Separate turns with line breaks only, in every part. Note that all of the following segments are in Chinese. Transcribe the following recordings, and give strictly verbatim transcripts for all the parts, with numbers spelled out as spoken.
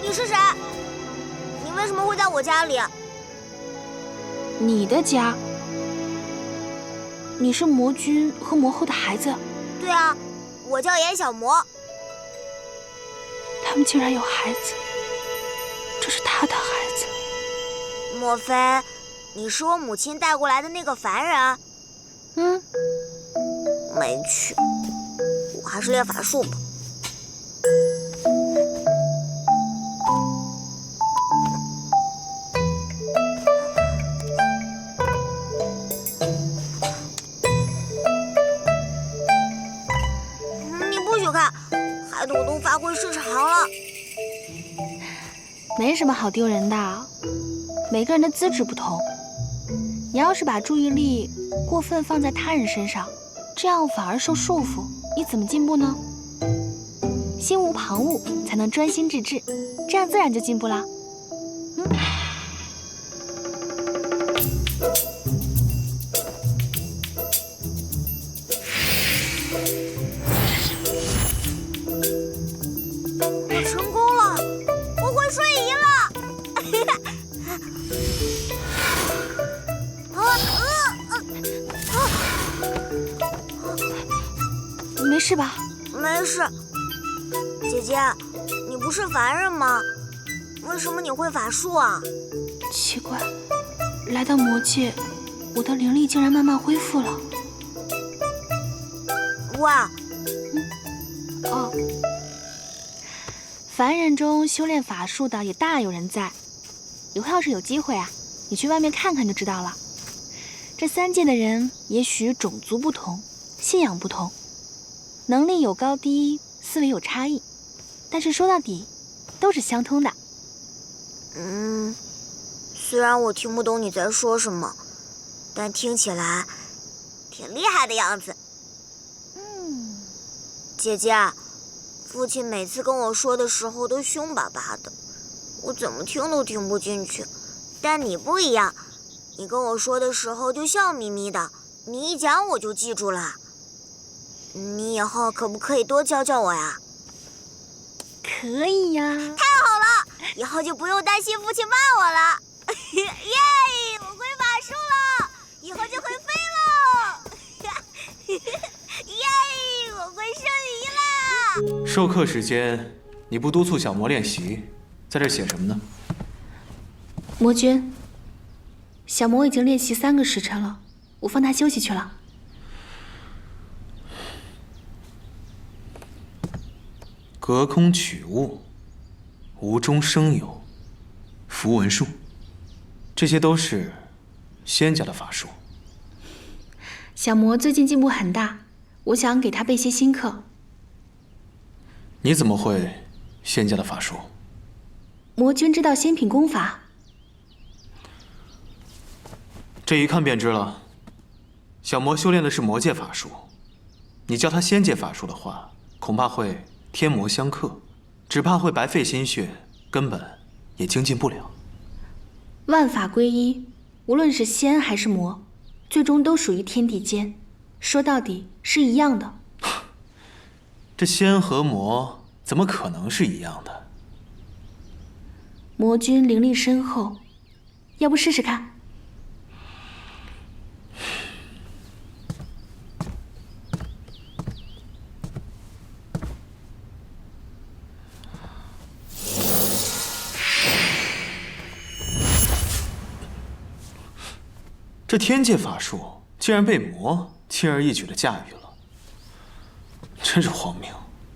你是谁？你为什么会在我家里？
你的家？你是魔君和魔后的孩子？
对啊，我叫严小魔。
他们竟然有孩子，这是他的孩子。
莫非你是我母亲带过来的那个凡人？
嗯，
没趣，我还是练法术吧。你不许看，害得我都发挥失常了。
没什么好丢人的，每个人的资质不同。你要是把注意力过分放在他人身上，这样反而受束缚，你怎么进步呢？心无旁骛，才能专心致志，这样自然就进步了。嗯。
我成功了，我会瞬移了。
没事吧？
没事。姐姐，你不是凡人吗？为什么你会法术啊？
奇怪，来到魔界，我的灵力竟然慢慢恢复了。
哇！
嗯，哦，凡人中修炼法术的也大有人在。以后要是有机会啊，你去外面看看就知道了。这三界的人也许种族不同，信仰不同，能力有高低，思维有差异，但是说到底，都是相通的。
嗯，虽然我听不懂你在说什么，但听起来挺厉害的样子。
嗯，
姐姐，父亲每次跟我说的时候都凶巴巴的，我怎么听都听不进去。但你不一样，你跟我说的时候就笑眯眯的，你一讲我就记住了。你以后可不可以多教教我呀？
可以呀。
太好了，以后就不用担心父亲骂我了。耶，我会法术了，以后就会飞喽。耶，我会瞬移啦。
授课时间，你不督促小魔练习，在这写什么呢？
魔君，小魔已经练习三个时辰了，我放他休息去了。
隔空取物，无中生有，符文术，这些都是仙家的法术。
小魔最近进步很大，我想给他备些新课。
你怎么会仙家的法术？
魔君知道仙品功法？
这一看便知了。小魔修炼的是魔界法术，你教他仙界法术的话，恐怕会天魔相克，只怕会白费心血，根本也精进不了。
万法归一，无论是仙还是魔，最终都属于天地间，说到底是一样的。
这仙和魔怎么可能是一样的？
魔君灵力深厚，要不试试看？
这天界法术竟然被魔轻而易举地驾驭了，真是荒谬。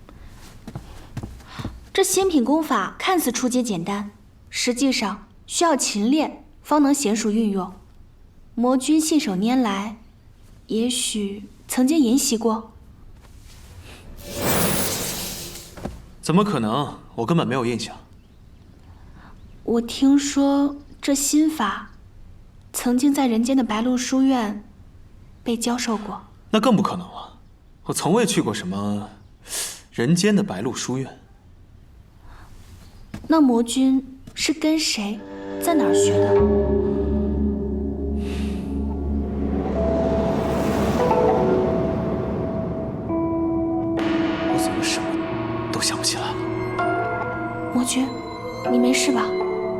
这仙品功法看似初阶简单，实际上需要勤练方能娴熟运用。魔君信手拈来，也许曾经研习过。
怎么可能？我根本没有印象。
我听说这心法曾经在人间的白鹿书院被教授过。
那更不可能了，我从未去过什么人间的白鹿书院。
那魔君是跟谁，在哪儿学的？
我怎么什么都想不起来了？
魔君， 你没事吧？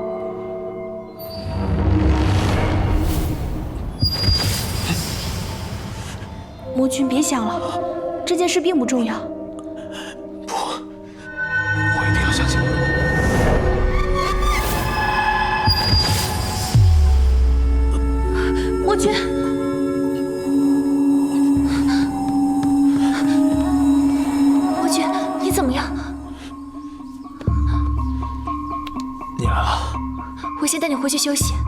魔君，别想了，这件事并不重要。
不，我一定要相信。
魔君，魔君，你怎么样？
你来了。
我先带你回去休息。